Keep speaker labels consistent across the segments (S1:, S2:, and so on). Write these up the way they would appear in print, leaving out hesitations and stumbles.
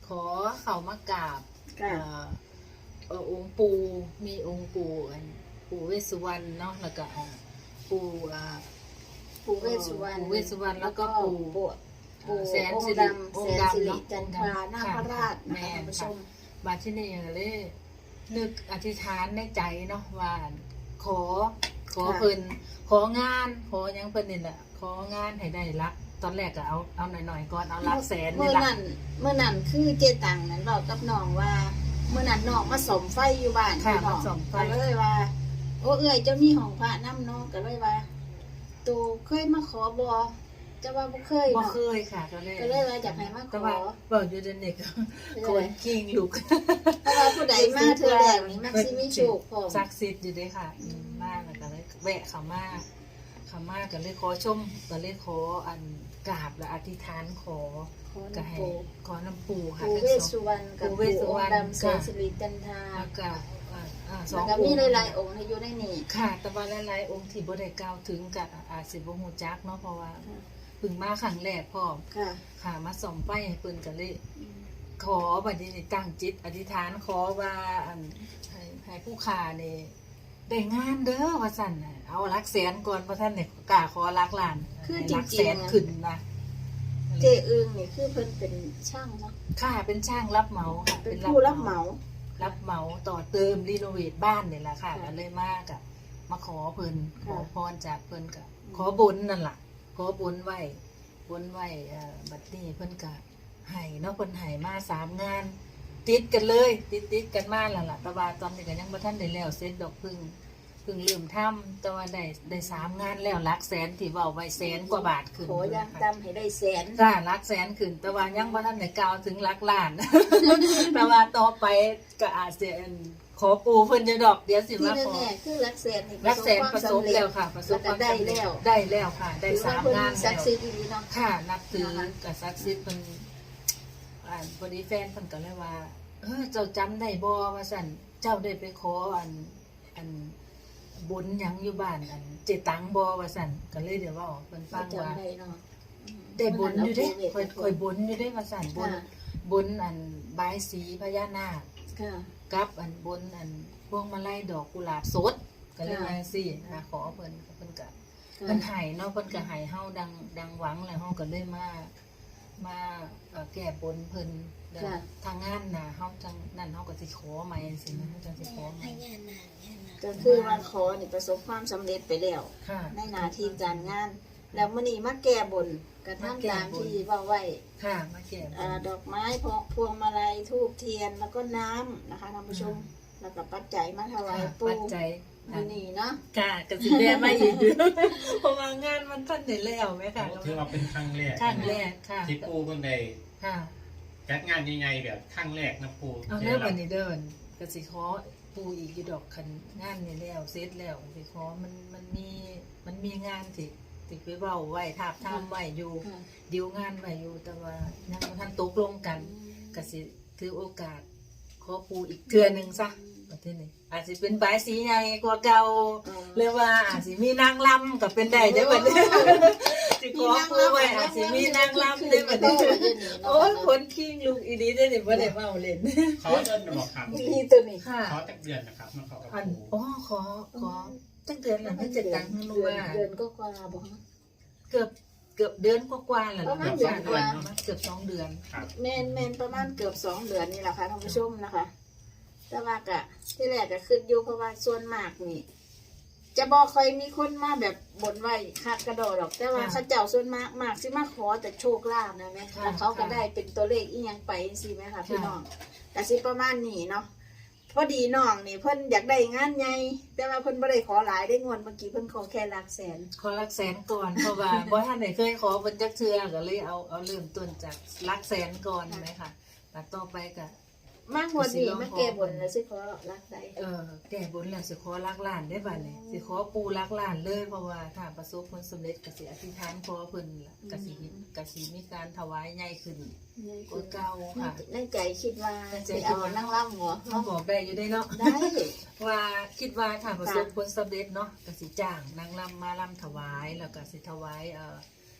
S1: ขอเข้ามากราบ
S2: ค่ะ
S1: องค์ปู่มีองค์ปู่ปู่เวสสุวรรณเนาะแล้วก็ปู่
S2: ปู่เวสสุวรรณ
S1: ปู่เวสสุวรรณแล้วก็ปู่
S2: แสนสิริจันทรานาคราชนะคะท่านผู้ชม
S1: บาดที่นี่เลยนึกอธิษฐานในใจเนาะว่าขอเพิ่นของานขอยังเพิ่นนี่แหละของานให้ได้รักตอนแรกก็เอาหน่อยๆก่อนเอารักแสนนี่ล่ะ
S2: เมื่อนั้นคือเจตังนั้นบอกกับน้องว่าเมื่อนั้นน้องมาสมไฟอยู่บ้านพี่น้องก็เลยว่าโอ้เอ้ยเจ้ามีห้องพระน้ำเนาะก็เลยว่าตูเคยมาขอบ่จะว่าบ่เคย
S1: บ่
S2: เนาะ
S1: เคยค่ะก็เลย
S2: ว่าอยากให้มาขอ
S1: แต่ว่าบอกอยู่เดนเด็กคนกิ้งลูก
S2: เพราะว่าผู้ใดมาเธอแรกนี่มักสิมีโชคพร้อม
S1: ศักดิ์สิทธิ์อยู่เด้ค่ะมากแล้วก็เลยแวะเข้ามาก็เลยขอชมก็เลยขออันกราบและอธิษฐานขอก็ให้ขอน้ำปู่ค่ะ
S2: ปู่เวสสุวรรณกับปู่องค์ดำแสนสิริจันทรา
S1: แล้วก็
S2: สองมีหลายๆองค์อยู่ในนี้
S1: ค่ะแต่ว่าหลายๆองค์ที่บ่ได้กล่าวถึงกับอาจสิบ่ฮู้จักเนาะเพราะว่าเพิ่งมาครั้งแรกพร้อมค่ะมาส่องไฟให้เพิ่นก็เลยขอบัดนี้ตั้งจิตอธิษฐานขอว่าให้ผู้ค้านี่ได้งานเด้อว่าซั่นน่ะเอาหลักแสนก่อนเพราะท่านเนี่ยกล้าขอหลักล้าน
S2: คือ
S1: หลักแสนขึ้นนะ
S2: เจอึงนี่คือเพิ่นเป็นช่างเนาะ
S1: ค่ะเป็นช่างรับเหมาค่ะ
S2: เป็นผู้รับเหมา
S1: ต่อเติมรีโนเวทบ้านนี่แหละค่ะก็เลยมากะมาขอเพิ่นขอพรจากเพิ่นก็ขอบุญนั่นล่ะขอบุญไว้บัดนี้เพิ่นก็ให้เนาะเพิ่นให้มา3งานติดกันเลยติดกันมาแล้วล่ะแต่ว่าตอนนี้ก็ยังบ่ทันได้แล้วเสร็จดอกเพิ่งเริ่มทำแต่ว่าได้3งานแล้วหลักแสนที่เว้าไว้แสนกว่าบาทขึ้น
S2: ขอยังจำให้ได้แสน
S1: ค่ะหลักแสนขึ้นแต่ว่ายังบ่ทันได้กล่าวถึงหลักล้านแต่ว่าต่อไปก็อาจสิขอปู่เพิ่นจะดอกเดี๋ยวสิมาขอ
S2: คือหลักแสน
S1: ประสบแล้วค่ะประสบความ
S2: ได้
S1: แล้วค่ะได้3งาน
S2: ศักดิ์สิทธิ์ดีเนาะ
S1: ค่ะนับถือกับศักดิ์สิทธิ์เพิ่นพอดีแฟนเพิ่นก็เลยว่าเจ้าจำได้บ่ว่าซั่นเจ้าได้ไปขออันบุญหยังอยู่บ้านเจตังบ่ว่าซั่นก็เลยเดี๋ยวว่าเพิ่นฟังว่าได้บุญอยู่เด้ค่อยบุญอยู่เด้ว่าซั่นบุญบายสีพญานาคกับบุญพวงมาลัยดอกกุหลาบสดก็เลยว่าซี่ขอเพิ่นก็ให้เนาะเพิ่นก็ให้เฮาดังหวังแล้วเฮาก็เลยมาแก้บนเพิ่นทางงานน่ะเฮาจังนั่นเฮาก็สิขอใหม่จังซี่นะเฮาจังสิขอใหม่
S2: ก็คือว่าขอนี่ประสบความสำเร็จไปแล้วในหน้าที่การงานแล้วมื้อนี้มาแก้บนก็ทำตามที่เว้าไว้
S1: ค่ะมาแก้
S2: ดอกไม้พวงมาลัยธูปเทียนแล้วก็น้ำนะคะท่านผู้ชมแล้วก็ปัจจัยมาถวายปู่
S1: ปัจจัย
S2: นี่เนาะ
S1: ค่ะก็สิแม่มาอีกเพราะว่างานมันทันได้แล้วแม่ค่ะ
S3: ถือว่าเป็นครั้งแรก
S1: ค่ะ
S3: ที่ปู่เพิ่นได้
S1: ค่ะ
S3: จัดงานใหญ่ๆแบบครั้งแรกนะปู่
S1: เอาแล้ววันนี้เดินก็สิขอปู่อีกอยู่ดอกคันงานนี่แล้วเสร็จแล้วสิขอมันมีงานที่ไปเว้าไว้ทาบทามไว้อยู่ดีลงานไว้อยู่แต่ว่ายังบ่ทันตกลงกันก็สิถือโอกาสขอปู่อีกเทื่อนึงซะประเทศนี้อาจสิเป็นบายสีใหญ่กว่าเก่าหรือว่าอาจสิมีนางรำก็เป็นได้เด้อบัดนี้สิขอปู่ไว้อาจสิมีนางรำได้บัดนี้โอ้ยคนคิงลูกอีนี้ได้นี่บ่ได้เว้าเล่น
S3: ขอเดือนบ่ครับ
S2: มีตัวนี้
S1: ค่ะ
S3: ขอจักเดือนนะครับมาขอกับ
S1: ปู่ขอจักเดือนละให้7ตังค์รู้ว่า
S2: เดือนก็กว่าบ่
S1: เกือบเดือนกว่าๆแล้ว
S2: ประมาณ
S1: เกือบ2เดือน
S2: แม่นประมาณเกือบ2เดือนนี่แหละค่ะท่านผู้ชมนะคะแต่ว่าก็ที่แรกก็ขึ้นอยู่เพราะว่าส่วนมากนี่จะบอกใครมีคนมาแบบบ่นไว้คักกระโดดหรอกแต่ว่าเขาเจ้าส่วนมากสิมาขอแต่โชคลาภนะแม่แล้วเขาก็ได้เป็นตัวเลขอีหยังไปสิแม่ค่ะพี่น้องแต่สิประมาณนี้เนาะพอดีน้องนี่เพิ่นอยากได้งานใหญ่แต่ว่าเพิ่นบ่ได้ขอหลายได้งวดเมื่อกี้เพิ่นขอแค่หลักแสน
S1: ขอหลักแสนก่อนเพราะว่าบ่ทันได้เคยขอเพิ่นจักเทื่อก็เลยเอาเริ่มต้นจากหลักแสนก่อนใช่มั้ยค่ะแล้วต่อไปก็
S2: มากกว่านี้มาแก้บนแล้วสิขอรักใด
S1: แก้บนแล้วสิขอรักล้านได้บัดนี้สิขอปู่รักล้านเลยเพราะว่าถ้าประสบผลสำเร็จก็สิอธิษฐานขอเพิ่นล่ะก็สิมีการถวายใหญ่ขึ้นกว่าเก่าค่ะ
S2: ในใจคิดว่าสิเอานางรำบ่
S1: เฮาบอกได้อยู่ได้เนาะ
S2: ได้
S1: ว่าคิดว่าถ้าประสบผลสำเร็จเนาะก็สิจ้างนางรำมาลำถวายแล้วก็สิถวาย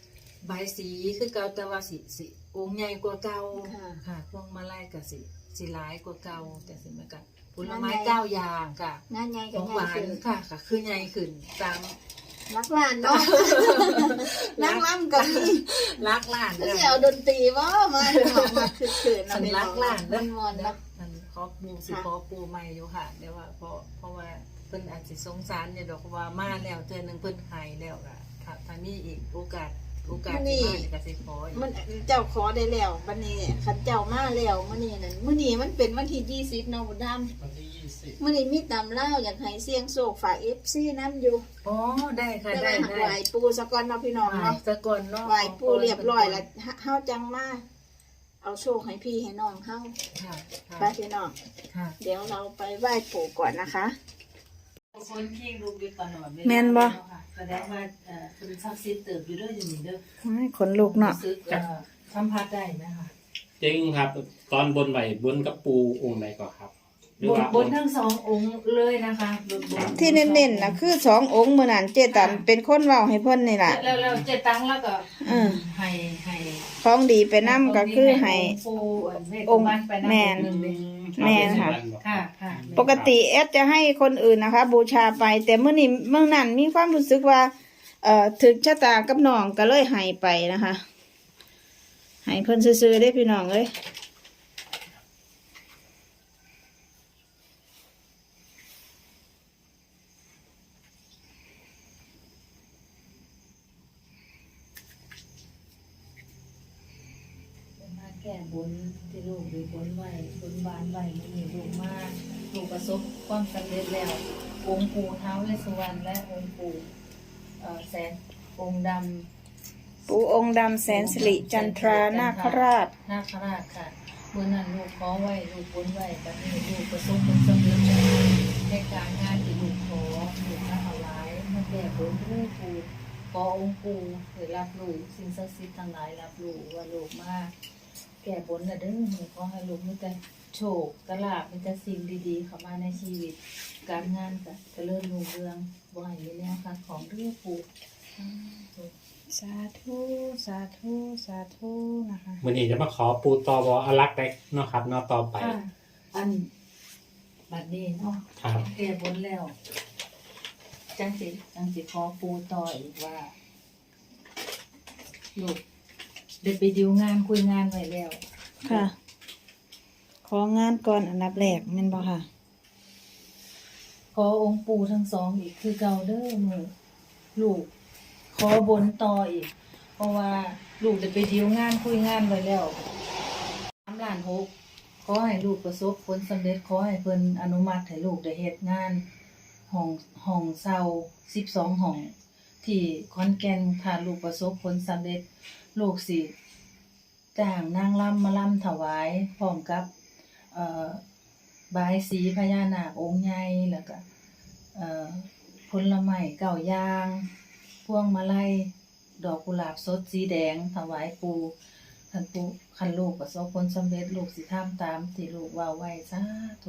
S1: ใบายสีคือเก่าแต่ว่าสิองค์ใหญ่กว่าเก่า
S2: ค่ะ
S1: ค่ะพวงมาลัยก็สิหลายกว่าเก่าแต่สิมันก็ผลไม้9อย่างค่ะ
S2: งานใหญ่
S1: ข
S2: กับ
S1: อง
S2: ให
S1: ห
S2: ญ่
S1: วาน
S2: ขึ้น
S1: ค่ะก็คือใหญ่ขึ้นตาม
S2: รักหลานเนาะนั่งล่ำกับนี่
S1: รักหลาน
S2: เสียวดนตรีว่ามามาคือๆ
S1: สันรักหลาน
S2: มันมวน
S1: แล้
S2: เนาะ
S1: มันขอปูสิขอปูใหม่อยู่ค่ะเดี๋ยวว่าเพราะว่าเพิ่นอาจสิสงสารเนี่ยดอกว่ามาแล้วเทื่อนึงเพิ่นหายแล้วก็ถ้ามีอีกโอกาสที่มานี่ก็สิขออีก
S2: มันเจ้าขอได้แล้ววันนี้ขันเจ้ามาแล้วมื้อนี้นั่นมื้อนี้มันเป็นวันที่20เนาะบุญธรรม
S3: วันที่20
S2: มื้อนี้มีตำเล่าวอยากให้เสียงโศกฝาก FC นํอยู่
S1: อ๋อได้ค่ะ
S2: แต่
S1: ได้
S2: ว่าไหวปูสะก่อนเนาะพี่น้อง
S1: ไหว้
S2: เนาะ
S1: สะก่อนเนาะ
S2: ไหวปูเรียบร้อยแล้วเฮาจังมาเอาโชคให้พี่ให้น้องเฮา
S1: ค่ะ
S2: ไปพี่น้อง
S1: ค่ะ
S2: เดี๋ยวเราไปไหว้ปู่ก่อนนะคะ
S1: คนที่ลูกอยู่ตลอดเวลา
S2: แม่นบ่
S1: แสดงว่าคุณศักดิ์สิทธิ์เติบอยู่ด้วยอยู่นี่เด้อ
S2: ขนลุกเนาะ
S1: รู้สึกสัมผัสได้ไหมคะ
S3: จริงครับ ตอนบนไหวบนกับปูองค์ไหนก่อนครับหรือบ
S1: น
S3: ว่า
S1: บนทั้งสององค์เลยนะคะบน
S2: ที่เน้นๆนะคือ2องค์มื้อนั้นเจตันเป็นคนเว้าให้เพิ่นนี่ล่ะ
S1: แล้วเจตังแล้วก็ ให้
S2: ของดีไปนํก็คือให้
S1: ปูเวท
S2: องค์
S1: บ้านไปนำ
S2: แม่น
S1: หนึ่งเลย
S2: แม่นค่ะ
S1: ค่ะค่ะ
S2: ปกติแอดจะให้คนอื่นนะคะ บูชาไป แต่เมื่อนี้เมื่อนั้นมีความรู้สึกว่าถึกชะตากับน้องก็เลยให้ไปนะคะให้เพิ่นซื้อๆได้พี่น้องเอ้ย
S1: มาแก้บนที่ลูกหรือบนไหวบนบานไหวนี่ลูกมาลูกประสบความสำเร็จแล้วองค์ปู่ท้าวเวสสุวรรณและองค์ปู่แสนองค์ดำ
S2: ปู่องค์ดำแสนสิริจันทรานาคราช
S1: นาคราชค่ะเมื่อนั้นลูกขอไว้ลูกบนไว้แบบนี้ลูกประสบผลสำเร็จในการงานที่ลูกขอลูกมาถวายมาแก้บนด้วยปู่ขอองค์ปู่เพื่อรับรู้สิ่งศักดิ์สิทธิ์ทั้งหลายรับรู้ว่าลูกมาแก้บนน่ะเด้อหนูขอให้ลูกมีแต่โชคกระลาบมีแต่สิ่งดีๆเข้ามาในชีวิต การงานก็เจริญรุ่งเรืองบ่ให้มีแนวค่ะของเรื่องปู่
S2: สาธุสาธุสาธุนะคะ
S3: วันนี้จะมาขอปูตอบอลักษ์ได้เนาะครับเนาะต่อไป
S1: ค่ะอันบัดนี้เนาะ
S3: ครับ
S1: แก้บนแล้ว จังสิขอปูต่ออีกว่า ลูกได้ไปดิวงานคุยงานไว้แล้ว
S2: ค่ะ ของานก่อนอันดับแรกแม่นบ่ค่ะ
S1: ขอองค์ปู่ทั้งสองอีกคือเก่าเด้อมือลูก ขอบนต่ออีก เพราะว่าลูกได้ไปดิวงานคุยงานไว้แล้ว3,600,000ขอให้ลูกประสบผลสำเร็จขอให้เพิ่นอนุมัติให้ลูกได้เฮ็ดงานห้องเช่า12ห้องที่ขอนแก่นถ้าลูกประสบผลสำเร็จลูกสิจ้างนางรำมาลำถวายพร้อมกับบายสีพญานาคองค์ใหญ่แล้วก็ผลไม้9อย่างพวงมาลัยดอกกุหลาบสดสีแดงถวายปู่คันลูกประสบผลสำเร็จลูกสิทำตามที่ลูกว่าไว้สาธุ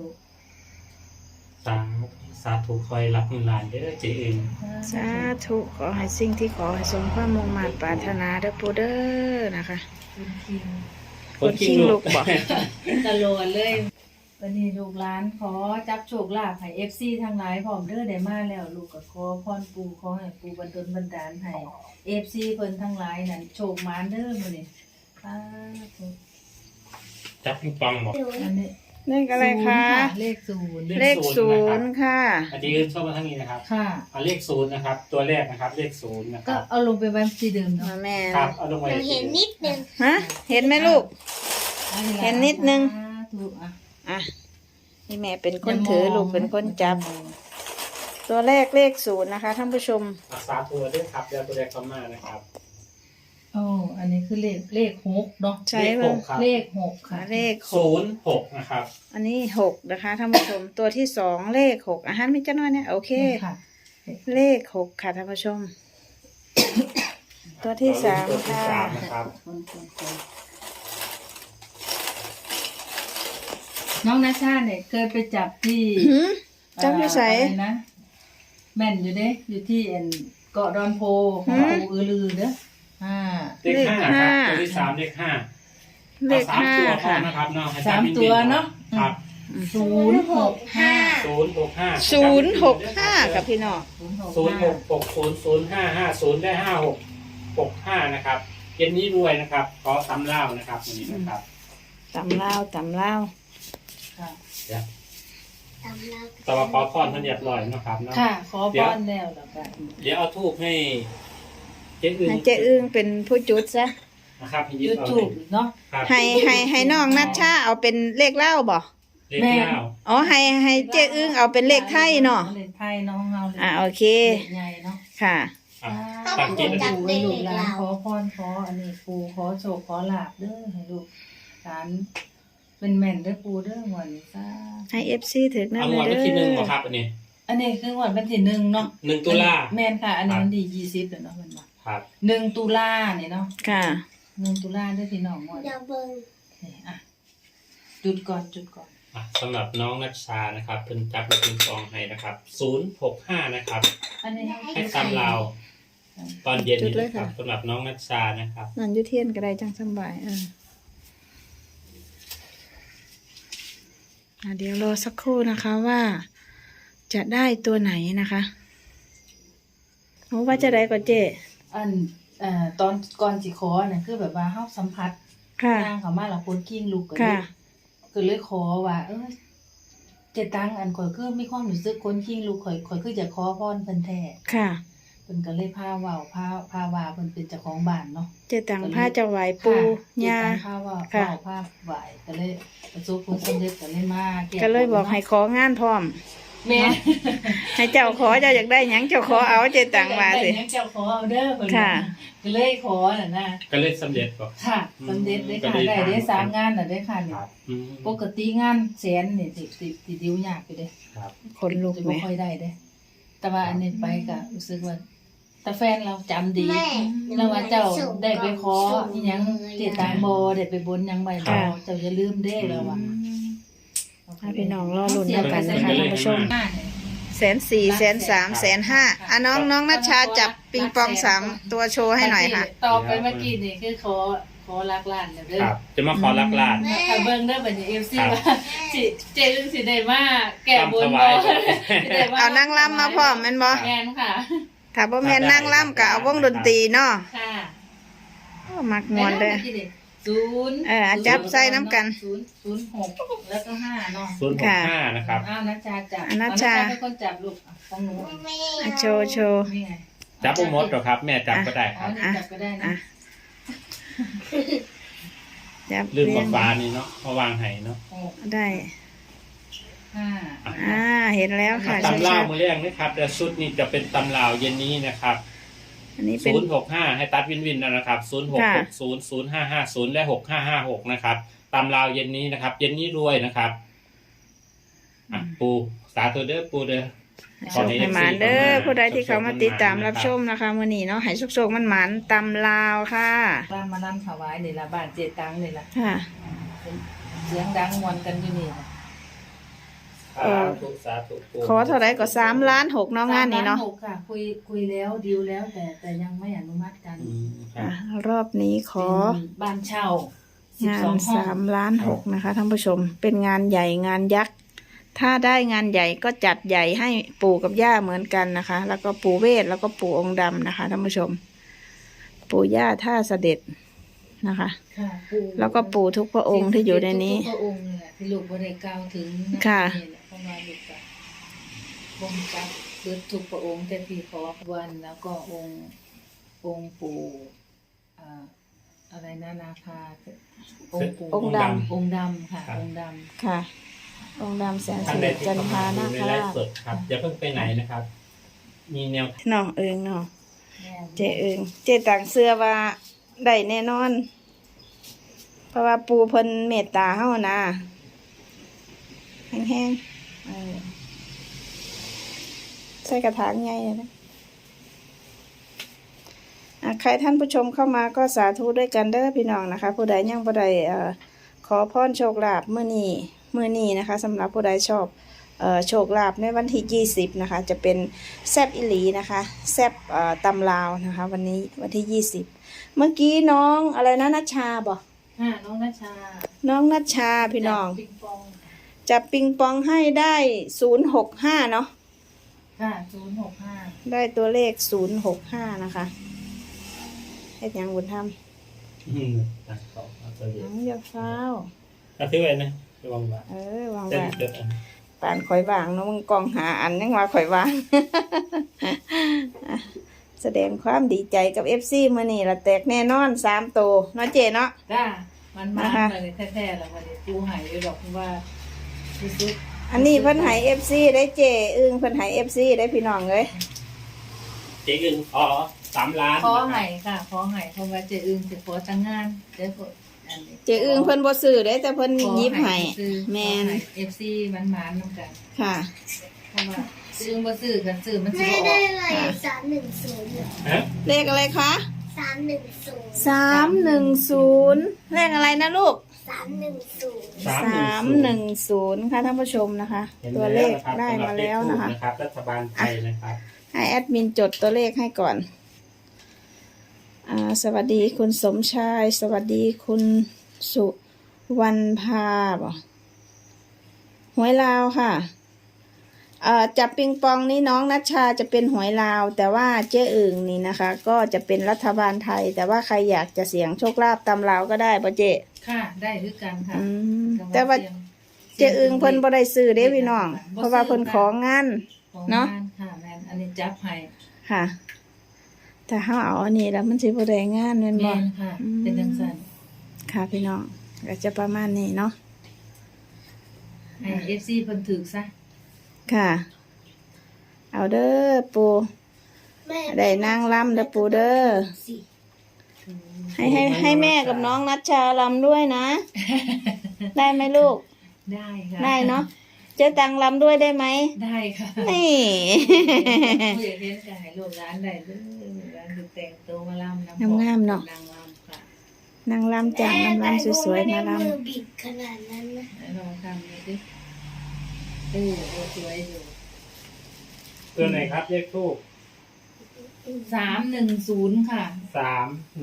S3: สาธุคอยรับเงินล้านเด้อเจเอง
S2: สาธุขอให้สิ่งที่ขอให้สมความมุ่งมั่นปรารถนาเด้อปู่เด้อนะคะ
S1: คุณคิง
S2: คนคิงลูกบ่
S1: ตลอดเลยวันนี้ลูกหลานขอจับโชคลาภให้ FC ทั้งหลายพร้อมเด้อได้มาแล้ว ลูกก็ขอพรปู่ขอให้ปู่บันดลบันดาลให้ FC เพิ่นทั้งหลายนั่นโชคหมานเด้อมื้อนี้สาธุ
S3: จับปิงปองบอก
S1: อันนี้
S2: เลขอะไรคะ
S1: เลขศูนย์
S2: เลขศูนย์ค่ะ
S3: อาจารย์ชอบมาทั้งนี้นะครับ
S1: ค่ะ
S3: เอาเลขศูนย์นะครับ ตัวแรกนะครับ เลขศูนย์นะค
S1: ก็
S3: รับ
S1: เอาลงไปไว้ที่เดิมเนาะ
S2: แม่
S3: ครับเอาลงไว้
S4: เห็นนิดนึง
S2: ฮะเห็นไหมลูก
S1: อัล่ะ
S2: เห็นนิดนึง
S1: สาธุอ่ะ
S2: อ่ะนี่แม่เป็นคนถือลูกเป็นคนจับ ตัวแรกเลขศูนย์นะคะท่านผู้ชม
S3: สาธุด้วยครับแล้วตัวแรกเข้ามานะครับ
S1: โอ้อันนี้คือเลข6เนาะ
S2: ใช่
S3: เลข
S2: ป่ะ
S3: หกครับ
S1: เลข6ค่ะ
S2: เลข
S3: 06นะครับ
S2: อันนี้6นะคะท่านผู้ชม ตัวที่2เลข6อาหารมีจ้าน้อยเนี่ยโอเค
S1: ค่ะ
S2: เลข6ค่ะท่านผู้ชม ตัวที่3ค่ะ
S3: นะครับ
S1: น้องนาชาเนี่ยเคยไปจับที่
S2: หืมจับอยู่ไส
S1: อะไรนะแม่นอยู่เด้อยู่ที่เกาะดอนโพของปู่อือลือเด้อ
S3: เลขห้าครับตัวที่3เลขห้า
S2: เลข
S3: เอา3ตัวพอ
S2: ค่ะ
S3: นะครับเนาะให้
S1: สามตัวเนาะ
S3: ครับ
S1: 065
S3: 065
S2: กับพี่น้อง
S3: 06600550ได้5665นะครับเย็นนี้รวยนะครับขอตำเล่านะครับวันนี้นะครับ
S2: ตำเล่า
S1: ค่ะ
S3: เดี๋ยวแต่ว่าขอพรท่านเรียบร้อยนะครับเนาะ
S1: ค่ะขอพรแล้วแล้วกัน
S3: เดี๋ยวเอาทูบให้เจ๊อึ้ง
S2: ให้เจ๊อึ้งเป็นผู้จุดซะ
S3: นะครับให้ยึด
S1: ยู
S3: เอา
S1: ทูบเนาะ
S3: ครับ
S2: ให้น้องนัชชาเอาเป็นเลขเล่าบ่
S3: เลขเล่า
S2: อ๋อให้เจ๊อึ้งเอาเป็นเลขไทยเนาะ
S1: เลขไทยเนาะเฮาเลย
S2: โอเค
S1: เลขใหญ่เนาะ
S2: ค่ะ
S3: อ่ะ
S1: ตั้
S3: ตั้
S1: ง
S3: ง
S1: จิ
S3: จิ
S1: ต
S3: ต
S1: ดูไว้ลูกหลานขอพรขออันนี้ปูขอโชคขอลาบเด้อให้ลูกหลานเป็นแม่นเด้อปูเด้อหวันนี้ซ่า
S2: ให้ FC ถึกนั่
S3: เอา
S2: น
S3: งวด
S2: เล
S3: วัน
S2: ย
S3: ที่
S2: เด้
S3: 1
S2: อ
S3: บ่ครับอันนี้
S1: อันนี้คือหวันที่1เนาะ
S3: 1 ตุลา
S1: แม่นค่ะ อันนี้วันที่20แล้วเนาะมันว่า
S3: ครับ
S1: 1ตุลาเนี่ยเนาะ
S2: ค่ะ
S1: 1ตุลาเด้อพี่น้องหมด
S4: อย่าเบิ่ง
S1: อ่ะจุดก่อน
S3: อ่ะสำหรับน้องนัชชานะครับเพิ่นจับลูกปิงปองให้นะครับ065นะครับ
S1: อันนี้
S3: ให้ตำลาวตอนเย็น
S2: จุ
S3: นี้
S2: ดเลย
S3: นะครับ
S2: ค่ะ
S3: สำหรับน้องนัชชานะครับ
S2: นั่นอยุเทียนก็ได้จังสำบายเดี๋ยวรอสักครู่นะคะว่า จะได้ตัวไหนนะคะโอ้ว่าจะได้ก่อนเจ๊
S1: อันตอนก่อนสิขอเนี่ยคือแบบว่าเฮาสัมผัส
S2: ค่ะ
S1: นางเขามาแล้วคนกิ้งลูกก็เล
S2: ค่ะ
S1: ยก็เลยขอว่าเจตังอันข่อยคือมีความรู้สึกคนกิ้งลูกข่อยคือจะขอพรเพิ่นแท้
S2: ค่ะ
S1: เพิ่นก็เลยพาเว้าพาว่าเพิ่นเป็นเจ้าของบ้านเนาะ
S2: เจ๊ตังผ้าจะไหวปู
S1: เจ
S2: ยา
S1: ตังพาว่า
S2: ค่ะ
S1: พาไหวก็เลยประสบผลสำเร็จก็เลยมาแ
S2: ก็เลยบอกให้ของานพร้อม
S1: แม่
S2: ให้เจ้าขอเจ้าอยากได้หยังเจ้าขอเอาเจ๊ตังมาสิ
S1: ได้เจ้าขอเอาเด้อเพิ่น
S2: ค่ะ
S1: ก็เลยขอน่ะนะ
S3: ก็เลยสำเร็จบ่
S1: ค่ะสำเร็จได้ค่ะ
S3: ก็เลย
S1: ได้
S3: ผ่าน
S1: 3งานน่ะได้ค่ะ
S3: ค
S1: นี่
S3: รับ
S1: ปกติงานแสนนี่สิดิวยากอยู่เด้
S3: ครับ
S2: คนลุก
S1: จะ
S2: ไหม
S1: บ่ค่อยได้เด้ แต่ว่าอันนี้ไปก็รู้สึกว่าแต่แฟนเราจำดี
S4: แม่
S1: แล้วว่าเจ้าได้ไปขออีหยังเจตางบ่ได้ไปบนหยังไว้บ่เจ้าอย่าลืมเด้แล้วว่า
S2: ให้พี่น้องรอลุ้นแล้วกันนะคะท่านผู้ชม 140,000 130,000 150,000น้องนัชชาจับปิงปอง3ตัวโชว์ให้หน่อยค่ะ
S1: ต่อไปเมื่อกี้นี่คือขอรักล้านแล้วเด้อ
S3: ครับ จะมาขอรักลาน
S1: ถ้าเบิ่งเด้อบัดนี้ FC
S3: ครับ
S1: ว่าสิเจอึ้งสิได้มาแก้บน
S3: ถ
S1: บ่
S3: วาย
S1: สิได้ม
S2: เอานั่งล่ำมาพร้อมแม่นบ่
S1: แม่นค่ะ
S2: ถ้าบ่แม่นนั่งล่ำก็เอาวงดนตรีเนาะ
S1: ค่ะ
S2: โอ้มักม่วนเด้อ จับใส่น้ำกัน
S1: 06แล้วก็5เนาะ
S3: 065นะครับ
S1: อ้าวนัชชาจับ
S2: นัชชา
S1: เป็นคนจับลูกของหนู
S4: ไม่
S2: อ่ะโชว์โชว์
S1: นี่ไง
S3: จับบ่หมดหรอกครับ แม่จับก็ได้ค
S1: อ๋อ
S3: รับ
S1: นี่จับก็ได้นะ
S2: อ่ะจับ
S3: ลืม
S2: เรีย
S3: กับ
S2: ง
S3: ฟ้านี่เนาะมาวางให้เนาะ
S2: ได้
S1: 5
S2: เห็นแล้วค่ะ
S3: ตำลาว
S2: ชัด
S3: มือแรกนะครับแต่ชุดนี้จะเป็นตำลาวเย็นนี้นะครับ
S2: ๆอันนี้เป็น
S3: 065ให้ตัดวินนะครับ
S2: ค่ะ
S3: 0660 0550 และ 6556 นะครับตำลาวเย็นนี้นะครับ เย็นนี้รวยนะครับอ่ะปูสาธุเด้อปูเด้อ
S2: โชคให้หมานเด้อผู้ใดที่เขามาติดตามรับชมนะคะมื้อนี้เนาะให้โชคๆมันหมานตำลาวค่ะ
S1: บ้านมานั่งถวายนี่ละบ้านเจตังนี่ละ
S2: ค่ะ
S1: เสียงดังมวนกันอยู่นี่ล่ะ
S3: สาธุสาธุปู
S2: ขอเท่าไรก็3 ล้าน 6เนาะงานนี้เนาะ
S1: 3 ล้6ค่ะ คุยแล้วดีลแล้วแต่ยังไม่อนุมัติกัน
S3: อืมครั
S2: อ่ะ
S3: บ
S2: รอบนี้ขอ
S1: เป็นบ้านเช่าง
S2: าน
S1: 12 ห้อง
S2: 3 ล้าน 6นะคะท่านผู้ชม เป็นงานใหญ่งานยักษ์ ถ้าได้งานใหญ่ก็จัดใหญ่ให้ปู่กับย่าเหมือนกันนะคะ แล้วก็ปู่เวทแล้วก็ปู่องค์ดำนะคะท่านผู้ชม ปู่ย่าท่าเสด็จนะคะ
S1: ค่ะปู่
S2: แล้วก็ปู่ทุกพระองค์ที่อยู่ในนี้
S1: ทุกพระองค์นี่แหละที่ลูกบ่ได้กล่าวถึงน
S2: ค่ะ
S1: นี่แหละเพราะว่าลูกก็บ่รู้จักเบิดทุกพระองค์แต่ที่ขอวันแล้วก็องค์ปู่อะไรนะนาคาองค์ปู่
S2: องค์ด
S1: องค์ดำค่ะ องค์ด
S2: ค่ะ องค์ดำแสน
S3: ท่า
S2: สิ
S3: นใด
S2: ริ
S3: ที่
S2: จัน
S3: เข้า
S2: ทา
S3: มา
S2: นา
S3: ดูใน
S2: ค
S3: ไล
S2: รา
S3: ฟ์
S2: ช
S3: สดครับอย่าเพิ่งไปไหนนะครับ มีแนว
S2: เนาะเนาะ
S1: ำแม่
S2: เจเจต่างเสื้อว่าได้แน่นอน เพราะว่าปูเพิ่นเมตตาเฮานะแห้งๆใส่กระถางใหญ่เลยนะใครท่านผู้ชมเข้ามาก็สาธุด้วยกันเด้อพี่น้องนะคะ ผู้ใดยังผู้ใดขอพรโชคลาภมื้อนี้นะคะสำหรับผู้ใดชอบโชคลาภในวันที่20นะคะจะเป็นแซบอิหลีนะคะแซบตำลาวนะคะวันนี้วันที่20เมื่อกี้น้องอะไรนะนัชชาบอก
S1: ค่ะน้องนัชชา
S2: น้องนัชชาพี่น้อง
S1: จากปิงปอง
S2: จับปิงปองให้ได้065เนาะ
S1: ค่ะ065
S2: ได้ตัวเลข065นะคะเฮ็ดหยังบุญธรรม
S3: ตัดต่อเอาตัวเดียว
S2: น้องอย่าฟ้าว
S3: เอาซื้อไว้นะระวังว่า
S2: วาง
S3: เส้น
S2: ไว้
S3: เกิดอัน
S2: ปานข่อยวางเนาะมึงกองหาอันยังว่าข่อยวาง แสดงความดีใจกับ FC มื้อนี้ละแตกแน่นอน3โตวเนาะเจเนาะ
S1: จ้ามันมา
S2: นะคะ
S1: เลยแท้ๆแล้ววันนี้ปูหายไปดอกว่ารู้สึก
S2: อันนี้เพิ่นให้ FC ได้เจอึ้งเพิ่นให้ FC ได้พี่น้องเอ้ย
S3: เจ๊อึนขอ3 ล้าน
S1: ขอใหายค่ะขอใหายเพราะว่าเจอึงจะขอตั้งงานเดี๋ยวก็อันนี้
S2: เจอึ้งเพิ่นบ่ซื้อเด้แต่เพิ่นหยิบให้แม่น
S1: เอฟซีมันมานๆนำกัน
S2: ค่ะ
S1: เพราะว่าเจอึงบ่ซื้อกันซื้อมันสิ
S4: ไม่
S1: บ่อ
S4: ได้
S1: อก
S4: เลย310
S3: ฮะ
S2: เลขอะไรคะ
S4: 310
S2: 310เลขอะไรนะลูก
S4: 310
S2: 310ค่ะท่านผู้ชมนะคะ
S3: ห็น
S2: ตัวเลข
S3: แวนะครับ
S2: ได้มาแล้วนะคะ
S3: สำหรับเลขทูปนะครับรัฐบาลไทยนะครับ
S2: ให้แอดมินจดตัวเลขให้ก่อนสวัสดีคุณสมชาย สวัสดีคุณสุวรรณภาบ่หวยลาวค่ะจับปิงปองนี่น้องนัชชาจะเป็นหวยลาว แต่ว่าเจ๊อึ่งนี่นะคะ ก็จะเป็นรัฐบาลไทย แต่ว่าใครอยากจะเสี่ยงโชคลาภตามลาวก็ได้ป่ะเจ๊
S1: ค่ะได้คือกันค่ะ
S2: แต่ว่าเจ๊อึ่งเพิ่นบ่ได้ซื้อเด้พี่น้อง เพราะว่าเพิ่นของาน
S1: ของ
S2: เนาะ
S1: งค่ะแม่นอันนี้จับให้
S2: ค่ะถ้าเฮาเอาอันนี้แล้วมันสิบ่ได้งานแม่นบ่
S1: แม่นค่ะ เป็นจังซั่น
S2: ค่ะพี่น้องก็จะประมาณนี้เนาะ
S1: ให้ FC เพิ่นถูกซะ
S2: ค่ะ เอาเด้อปู
S4: แม่
S2: ได้นางลำเด้อปูเด้อ
S4: สิ
S2: ให้แม่กับน้องนัชชาลำด้วยนะ ได้ไหมลูก
S1: ได้ค่ะ
S2: ได้เนาะเจ๊ตังลำด้วยได้ไหม
S1: ได้ค่ะ
S2: นี่
S1: ผู้ใหญ่เรียนก็ให้ลูกหลานได้เด้อร้านคือแต่งตัวมาลำนำ
S2: งามๆเนาะ
S1: นางลำค่ะ
S2: นางลำจากนางลำสวยๆมาล
S4: มือบิดขนาดนั้นนะ
S1: แล้วลองทำดูสิสวยอยู่
S3: ตัวไหนครับเลขทูป
S1: 310ค่ะ
S3: 310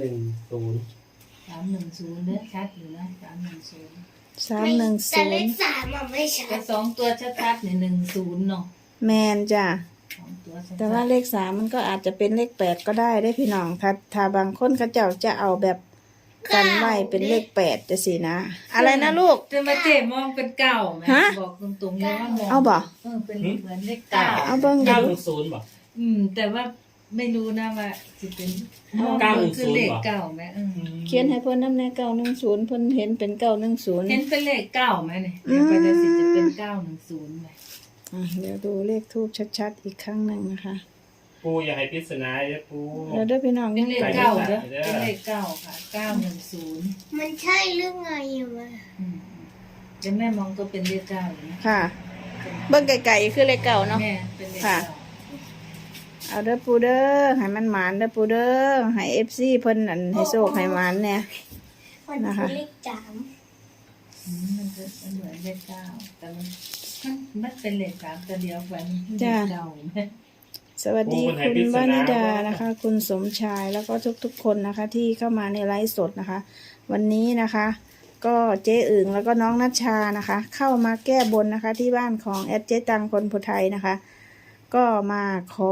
S1: 310เด้อชัดอยู่นะ310
S2: ำ
S4: แต่เลข
S2: 310
S4: 3อะไม่ชั
S1: แต่
S4: ด
S1: สองตัวชัดๆนี่10เนาะ
S2: แมนจ้ะ
S1: สองตัวชัดๆ
S2: แต่ว่าเลข3มันก็อาจจะเป็นเลข8ก็ได้ได้พี่น้องถ้าบางคนเขาเจ้าจะเอาแบบกันไว้เป็นเลข8จะสินะ อะไรนะลูก
S1: แต่มาเจ๊มองเป็นเก่าไหม
S2: ฮะ
S1: บอกตรงๆเลยว่ามอง
S2: เอาบ่
S1: เป็นเหมือนเลขเก่า
S2: เอาเบิ่งดู
S3: 910บ่
S1: แต่ว่าไม่รู้นะว่าจะเป็น
S3: 910
S1: คือเลขเก่าไหม
S2: เขียนให้เพิ่นนำแน่910เพิ่นเห็นเป็น910
S1: เห็นเป็นเลขเก่าไหมเนี่ย
S2: อืม
S1: เดี๋ยวไปจะสิจะเป็น910ไหม
S2: เดี๋ยวดูเลขทูบชัดๆอีกครั้งหนึ่งนะคะ
S3: ปูอย่าให้ปริศนาเด้อปู
S2: แล้วด้วยพี่น้อง
S1: เป็นเลข
S3: ใส่
S1: เก่า
S3: ใส่
S1: เด้อ
S3: เด้อ
S1: เป็นเลขเก่าค่ะ910
S4: มันใช่เรื่องไงอะวะ
S1: เดี๋ยวแม่มองก็เป็นเลขเก่าอยู่นะ
S2: ค่ะ เบิ่งไกลๆคือเลขเก่าเนาะ
S1: แม่เป็นเลข
S2: ค่ะ
S1: เก่า
S2: เอาเด้อปูเด้อให้มันหมานเด้อปูเด้อให้ FC เพิ่นอันให้โชคให้หมานเนี่ย
S4: มัน
S2: นะคะ
S4: คือเลข3
S1: มันจะเหมือนเลขเก้าแต่มันเป็นเลขสามตัวเดียวกันเลขเก่าไหม
S2: สวัสดีคุณวานิดานะคะ คุณสมชายแล้วก็ทุกๆคนนะคะ ที่เข้ามาในไลฟ์สดนะคะ วันนี้นะคะ ก็เจ๊อึ่งแล้วก็น้องนัชชานะคะ เข้ามาแก้บนนะคะ ที่บ้านของแอดเจ๊ตังคนพุไทยนะคะ ก็มา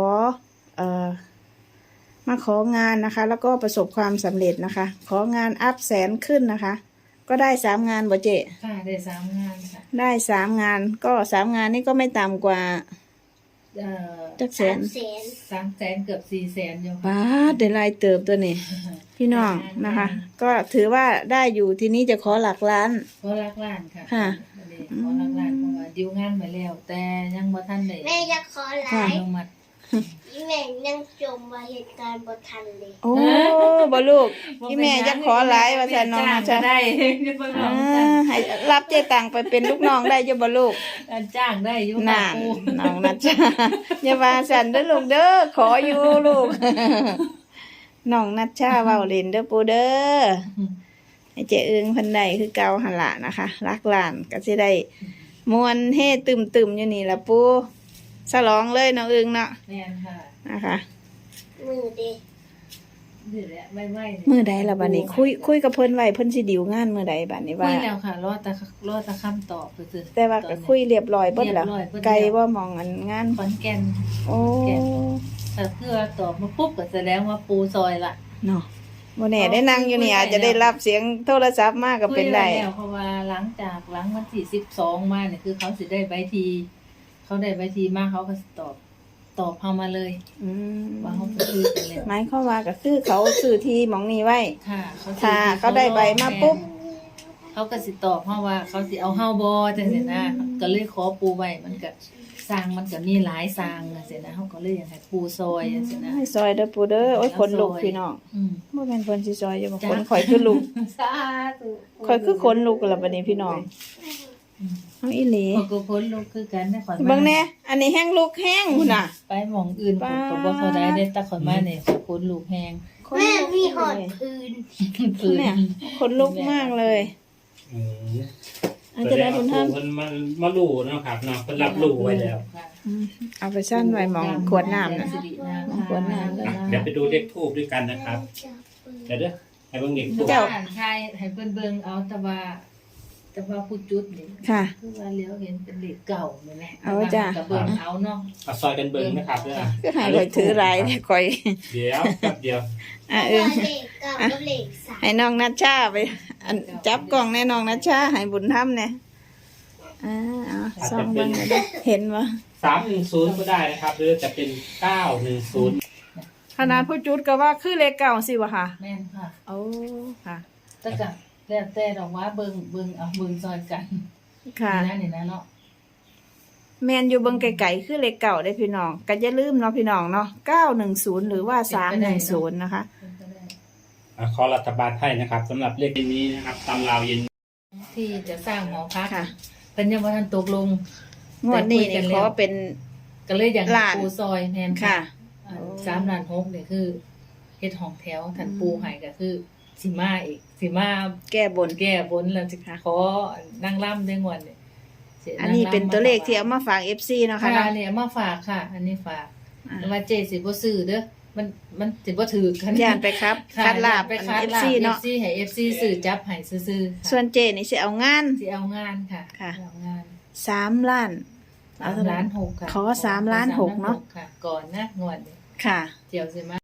S2: ของานนะคะ แล้วก็ประสบความสำเร็จนะคะ ของานอัพแสนขึ้นนะคะ ก็ได้3 งานบ่เจ๊
S1: ค่ะได้3 งานค่ะ
S2: ได้3 งานก็3 งานนี่ก็ไม่ต่ำกว่าจักแสน
S1: 300,000เกือบ400,000อยู่
S2: ป้าดได้หลายเติบตัวนี้พี่น้องนะคะ ก็ถือว่าได้อยู่ทีนี้จะขอหลักล้าน
S1: ขอรักล้านค่ะ
S2: ค่ะ
S1: ขอรักล้านเพราะว่าดิวงานมาแล้ว แต่ยังบ่ทันได้
S4: แม่จะขอไล
S1: อ
S4: ฟ์
S1: นุมัติ
S4: แม่ยังจมมาเหตุการณ์บ่ทันเลย
S2: โอ้บ่ลูกที่แม่จะขอหลายว่าซั่นน้องนะ
S1: จ้า
S2: จ๊ะ
S1: งได้จะเพิ่งล
S2: อ่า
S1: องกัน
S2: ให้รับเจ๊ตังไปเป็นลูกน้องได้อยู่บ่ลูก
S1: จ้างได้อยู่
S2: น่า
S1: ค่ะปู
S2: น้องนะจ๊ะอย่าว่าสั่นเด้อลูกเด้อขออยู่ลูก น้องนัชชาเว้าเล่นเด้อปูเด้อให้เจ๊อึงเพิ่นได้คือเก่าหั่นล่ะนะคะรักหลานก็สิได้มวนเฮตึมๆอยู่นี่ล่ะปูฉลองเลยน้องอึงเนาะ
S1: แม่นค่ะ
S2: นะคะ
S4: มือเด้
S1: นี่แหละไม่
S2: มื้อใดล่ะบัดนี้คุยกับเพิ่นไว้เพิ่นสิดิวงานมื้อใดบัดนี้
S1: คุ
S2: ว่า
S1: ยแล้วค่ะรอแต่คำตอบคือ
S2: แต่ว่าก็คุยเรียบร้อยเบิดแล้ว
S1: เรียบร้อยเบิดแล้ว
S2: ไกลบ่มองอันงาน
S1: ขอนแก่น
S2: โอ้
S1: ถ้าเพื่อตอบมาปุ๊บก็แสดงว่าปูซอยละ
S2: เนาะบ่แน่ได้นั่งอยู่นี่อาจจะได้รับเสียงโทรศัพท์มาก็เป็นได้
S1: คุยแล้วเพราะว่าหลังวันที่12มาเนี่ยคือเขาสิได้ใบทีเขาได้ใบทีมาเขาก็สิตอบเฮามาเลย
S2: อืม
S1: ว่าเขาจะคุยกันแล้ว
S2: หมายความว่าก็คือเขาซื้อที่หมองนี้ไว้
S1: ค่ะ
S2: ถ้าเขาได้ใบมาปุ๊บ
S1: เขาก็สิตอบเฮาว่าเขาสิเอาเฮาบ่จังซี่นะก็เลยขอปูไว้มันก็สร้างมันก็มีหลายสร้างจังซี่นะเฮาก็เลยอยากให้ปูซอยจังซี่นะ
S2: ให้ซอยเด้อปูเด้อโอ้ยขนลุกพี่น้อง
S1: อืม
S2: บ่แม่นเพิ่นสิซอยอยู่บ่ขนข่อยคือลุก
S1: สาธุ
S2: ข่อยคือขนลุกแล้วบัดนี้พี่น้องเอาอีหลี
S1: ข้อยก็พ้นลูกคือกันได้ข่อยมา
S2: เบิ่งแน่อันนี้แห้งลุกแห้งพุ่นน่ะ
S1: ไปหม่องอื่นข้อยก็บ่เท่าใดได้แต่ข่อยมาเนี่ยข่อยพ้นลูกแฮง
S4: แม่มีหอดพื้น
S1: พื้น
S2: เนี่ยขนลุกมากเลย
S3: อืม
S2: อันจะได้บุญท่าน
S3: เพิ่นมารู้เนาะครับเนาะเพิ่นรับรู้ไว้แล้ว
S2: อืมเอาไปซั่นไว้หมองขวดน้ำน่ะ ขวดน้ำ
S3: เดี๋ยวไปดูเลขทูบด้วยกันนะครับ เดี๋ยวเด้อให้เบิ่งเลขทูบ
S2: เจ้า
S1: ใช่ให้เพิ่นเบิ่งเอาแต่ว่าผู้จุดนี่
S2: ค่ะ
S1: คือว่าเลี้ยวเห็นเป็นเลขเก่านี่แหละ
S2: เอาจ้ะ
S1: ก็เบิ่งเอาเนาะ
S3: เอาซอยกันเบิ่งนะครับเด้อ
S2: คือให้ข่อยถือหลายแต่ข่อย
S3: เดี๋ยวแป๊บเดียว
S2: อ่ะ
S4: เพ
S2: เอ
S4: ราะ
S2: อ
S4: ว่าเลขเก้ากับเลขสาม
S2: ให้น้องนัชชาไปอันจับกล่องแน่น้องนัชชาให้บุญธรรมแน่เอาซ่องเบิ่งก็ได้เห็นบ่
S3: 310ก็ได้นะครับ หรือจะเป็น910
S2: ขนาดผู้จุดก็ว่าคือเลขเก่าสิวะค่ะ
S1: แม่นค่ะ
S2: โอ้ค่ะ
S1: แต่ก็แล้วแต่ดอกว่าเบิ่งเอาเบิ่งซอยกัน
S2: ค่ะ
S1: นี่นะเนาะ
S2: แมนอยู่เบิ่งไกลๆคือเลขเก่าได้พี่น้องก็อย่าลืมเนาะพี่น้องเนาะ910หรือว่า310นะคะ
S3: ขอรัฐบาลไทยนะครับสำหรับเลขนี้นะครับตำราวเย็น
S1: ที่จะสร้างหอพัก
S2: ค่ะ
S1: เพิ่นยังบ่ทันตกลง
S2: งวดนี้นี่ขอเป็น
S1: ก็เลยอยากให้
S2: ล้าน
S1: ปูซอยแม่น
S2: ค่ะ
S1: 3ล้าน6นี่คือเฮ็ดห้องแถวท่านปูให้ก็คือสิมาอีกสิมา
S2: แก้บน
S1: แก้บนแล้วจะขอนั่งร่ำได้งวดนี่สิ
S2: อันนี้เป็นตัวเลขที่เอามาฝาก FC เนาะ
S1: ค่ะ
S2: ค่ะเนาะ
S1: อันนี้เอามาฝากค่ะ อันนี้ฝาก
S2: อ่า
S1: แต่ว่าเจสิบ่ซื้อเด้อมันสิบ่ถือกัน
S2: ย่านไปครับ
S1: ค่ะ
S2: คัดลาบ
S1: ไปคัดลาบ
S2: FC เนาะ
S1: FC ให้ FC ซื้อจับให้ซื่อๆค่ะ
S2: ส่วนเจนี่สิเอางาน
S1: สิเอางานค่ะ
S2: ค่ะ
S1: เอางาน
S2: 3 ล้าน เอาเท่าไหร่
S1: 3.6 ล้านค่ะ
S2: ขอ3.6 ล้านเนาะ
S1: ค่ะ ก่อนนะงวดนี้
S2: ค่ะ
S1: เดี๋ยวสิมา